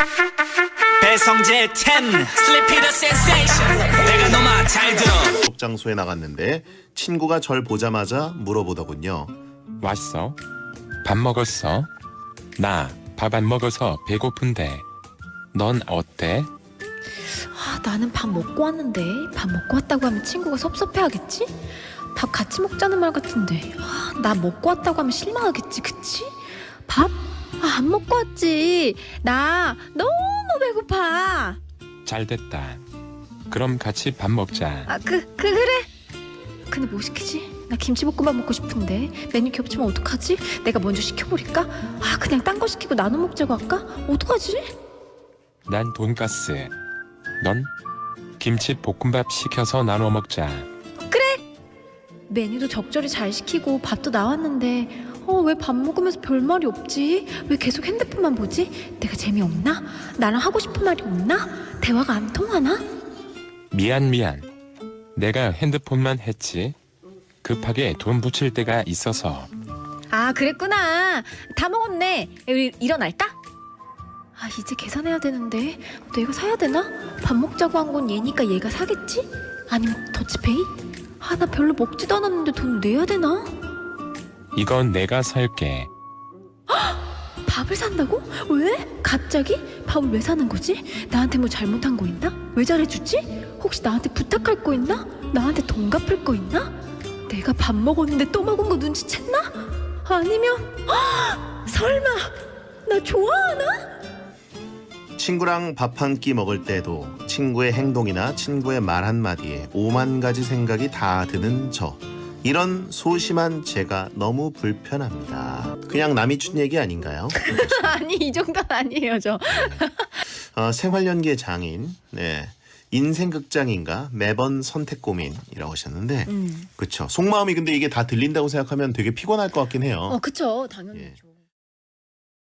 배성재 10 Sleepy the Sensation 내가 너무 잘 들어. 장소에 나갔는데 친구가 절 보자마자 물어보더군요. 왔어? 밥 먹었어? 나 밥 안 먹어서 배고픈데. 넌 어때? 나는 밥 먹고 왔는데 밥 먹고 왔다고 하면 친구가 섭섭해하겠지? 밥 같이 먹자는 말 같은데 나 먹고 왔다고 하면 실망하겠지, 그치? 밥? 안 먹고 왔지. 나 너무 배고파. 잘 됐다. 그럼 같이 밥 먹자. 그래. 근데 뭐 시키지? 나 김치볶음밥 먹고 싶은데 메뉴 겹치면 어떡하지? 내가 먼저 시켜버릴까? 그냥 딴 거 시키고 나눠 먹자고 할까? 어떡하지? 난 돈가스. 넌 김치 볶음밥 시켜서 나눠 먹자. 메뉴도 적절히 잘 시키고 밥도 나왔는데 왜 밥 먹으면서 별말이 없지? 왜 계속 핸드폰만 보지? 내가 재미없나? 나랑 하고 싶은 말이 없나? 대화가 안 통하나? 미안. 내가 핸드폰만 했지. 급하게 돈 붙일 때가 있어서. 그랬구나. 다 먹었네. 우리 일어날까? 이제 계산해야 되는데 내가 사야 되나? 밥 먹자고 한 건 얘니까 얘가 사겠지? 아니면 더치페이? 나 별로 먹지도 않았는데 돈 내야 되나? 이건 내가 살게. 밥을 산다고? 왜? 갑자기? 밥을 왜 사는 거지? 나한테 뭐 잘못한 거 있나? 왜 잘해주지? 혹시 나한테 부탁할 거 있나? 나한테 돈 갚을 거 있나? 내가 밥 먹었는데 또 먹은 거 눈치챘나? 아니면 설마 나 좋아하나? 친구랑 밥 한 끼 먹을 때도 친구의 행동이나 친구의 말 한마디에 5만 가지 생각이 다 드는 저. 이런 소심한 제가 너무 불편합니다. 그냥 남이 춘 얘기 아닌가요? 아니 이 정도는 아니에요 저. 생활연계 장인, 인생 극장인가 매번 선택 고민이라고 하셨는데, 그쵸. 속마음이 근데 이게 다 들린다고 생각하면 되게 피곤할 것 같긴 해요. 그쵸 당연히죠.